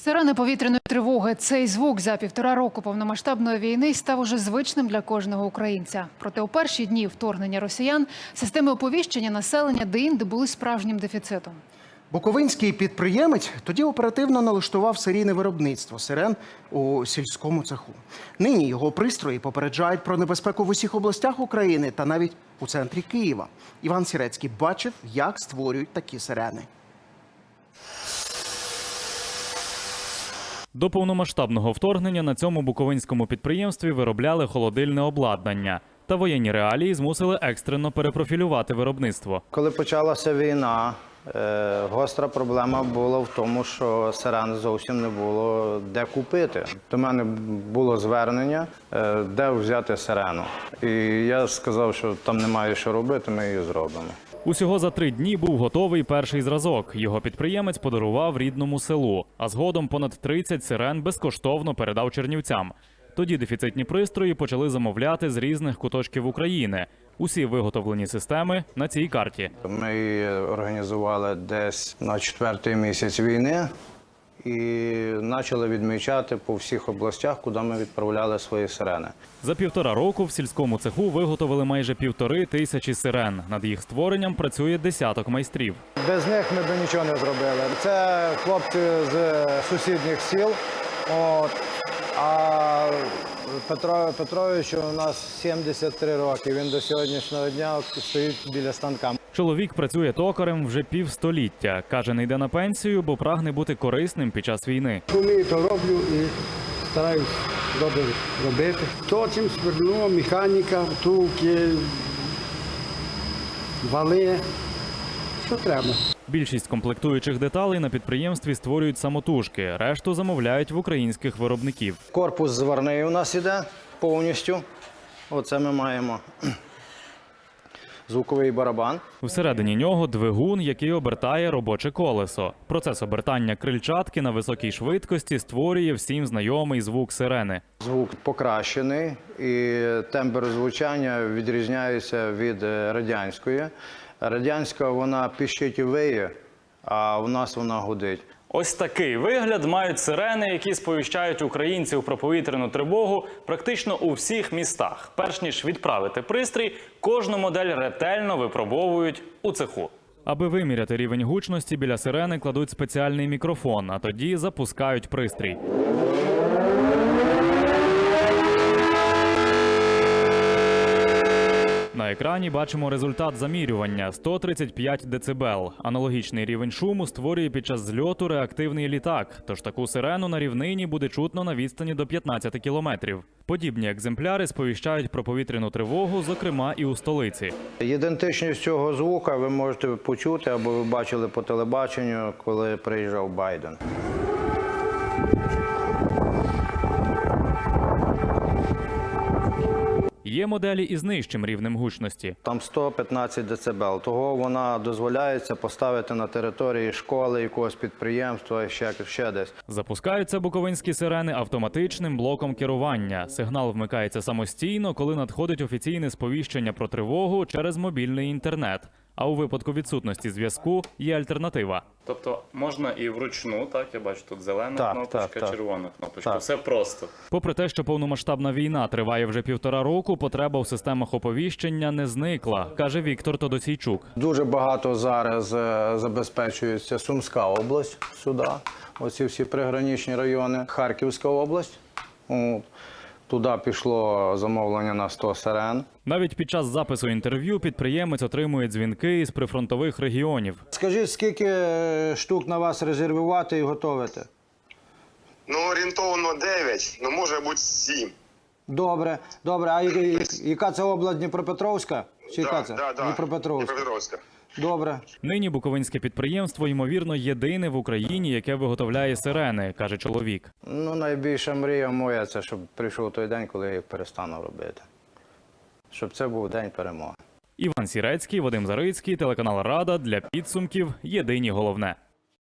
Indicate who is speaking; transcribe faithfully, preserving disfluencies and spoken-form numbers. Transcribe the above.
Speaker 1: Сирени повітряної тривоги. Цей звук за півтора року повномасштабної війни став уже звичним для кожного українця. Проте у перші дні вторгнення росіян системи оповіщення населення деінде були справжнім дефіцитом.
Speaker 2: Буковинський підприємець тоді оперативно налаштував серійне виробництво сирен у сільському цеху. Нині його пристрої попереджають про небезпеку в усіх областях України та навіть у центрі Києва. Іван Сірецький бачив, як створюють такі сирени.
Speaker 3: До повномасштабного вторгнення на цьому буковинському підприємстві виробляли холодильне обладнання. Та воєнні реалії змусили екстрено перепрофілювати виробництво.
Speaker 4: Коли почалася війна, гостра проблема була в тому, що сирен зовсім не було де купити. До мене було звернення, де взяти сирену. І я сказав, що там немає що робити, ми її зробимо.
Speaker 3: Усього за три дні був готовий перший зразок. Його підприємець подарував рідному селу, а згодом понад тридцять сирен безкоштовно передав чернівцям. Тоді дефіцитні пристрої почали замовляти з різних куточків України. Усі виготовлені системи на цій карті.
Speaker 4: Ми її організували десь на четвертий місяць війни і почали відмічати по всіх областях, куди ми відправляли свої сирени.
Speaker 3: За півтора року в сільському цеху виготовили майже півтори тисячі сирен. Над їх створенням працює десяток майстрів.
Speaker 4: Без них ми б нічого не зробили. Це хлопці з сусідніх сіл. От. А Петро Петровичу у нас сімдесят три роки. Він до сьогоднішнього дня стоїть біля станка.
Speaker 3: Чоловік працює токарем вже півстоліття. Каже, не йде на пенсію, бо прагне бути корисним під час війни.
Speaker 5: Вмію, то роблю і стараюсь добре робити. Точим, свердло, механіка, втулки, вали, що треба.
Speaker 3: Більшість комплектуючих деталей на підприємстві створюють самотужки, решту замовляють в українських виробників.
Speaker 4: Корпус зварний у нас іде повністю. Оце ми маємо звуковий барабан.
Speaker 3: Всередині нього двигун, який обертає робоче колесо. Процес обертання крильчатки на високій швидкості створює всім знайомий звук сирени.
Speaker 4: Звук покращений і тембр звучання відрізняється від радянської. Радянська, вона піщить і виє, а у нас вона гудить.
Speaker 3: Ось такий вигляд мають сирени, які сповіщають українців про повітряну тривогу практично у всіх містах. Перш ніж відправити пристрій, кожну модель ретельно випробовують у цеху. Аби виміряти рівень гучності, біля сирени кладуть спеціальний мікрофон, а тоді запускають пристрій. На екрані бачимо результат замірювання – сто тридцять п'ять децибел. Аналогічний рівень шуму створює під час зльоту реактивний літак, тож таку сирену на рівнині буде чутно на відстані до п'ятнадцяти кілометрів. Подібні екземпляри сповіщають про повітряну тривогу, зокрема і у столиці.
Speaker 4: Ідентичність цього звука ви можете почути або ви бачили по телебаченню, коли приїжджав Байден.
Speaker 3: Є моделі із нижчим рівнем гучності.
Speaker 4: Там сто п'ятнадцять децибел. Того вона дозволяється поставити на території школи, якогось підприємства, ще, ще десь.
Speaker 3: Запускаються буковинські сирени автоматичним блоком керування. Сигнал вмикається самостійно, коли надходить офіційне сповіщення про тривогу через мобільний інтернет. А у випадку відсутності зв'язку є альтернатива.
Speaker 6: Тобто можна і вручну, так, я бачу, тут зелена
Speaker 4: так,
Speaker 6: кнопочка,
Speaker 4: так, так.
Speaker 6: червона кнопочка,
Speaker 4: Так.
Speaker 6: все просто.
Speaker 3: Попри те, що повномасштабна війна триває вже півтора року, потреба в системах оповіщення не зникла, каже Віктор Тодосійчук.
Speaker 4: Дуже багато зараз е, забезпечується Сумська область сюди, оці всі приграничні райони, Харківська область. От. Туди пішло замовлення на сто сирен.
Speaker 3: Навіть під час запису інтерв'ю підприємець отримує дзвінки із прифронтових регіонів.
Speaker 4: Скажіть, скільки штук на вас резервувати і готувати?
Speaker 7: Ну, орієнтовно дев'ять, ну може бути сім.
Speaker 4: Добре, добре. А яка це область, Дніпропетровська? Чи яка це?
Speaker 7: Да, да,
Speaker 4: Дніпропетровська.
Speaker 7: Дніпропетровська.
Speaker 4: Добре.
Speaker 3: Нині буковинське підприємство, ймовірно, єдине в Україні, яке виготовляє сирени, каже чоловік.
Speaker 4: Ну, найбільша мрія моя – це щоб прийшов той день, коли я їх перестану робити. Щоб це був день перемоги.
Speaker 3: Іван Сірецький, Вадим Зарицький, телеканал Рада, для підсумків «Єдині головне».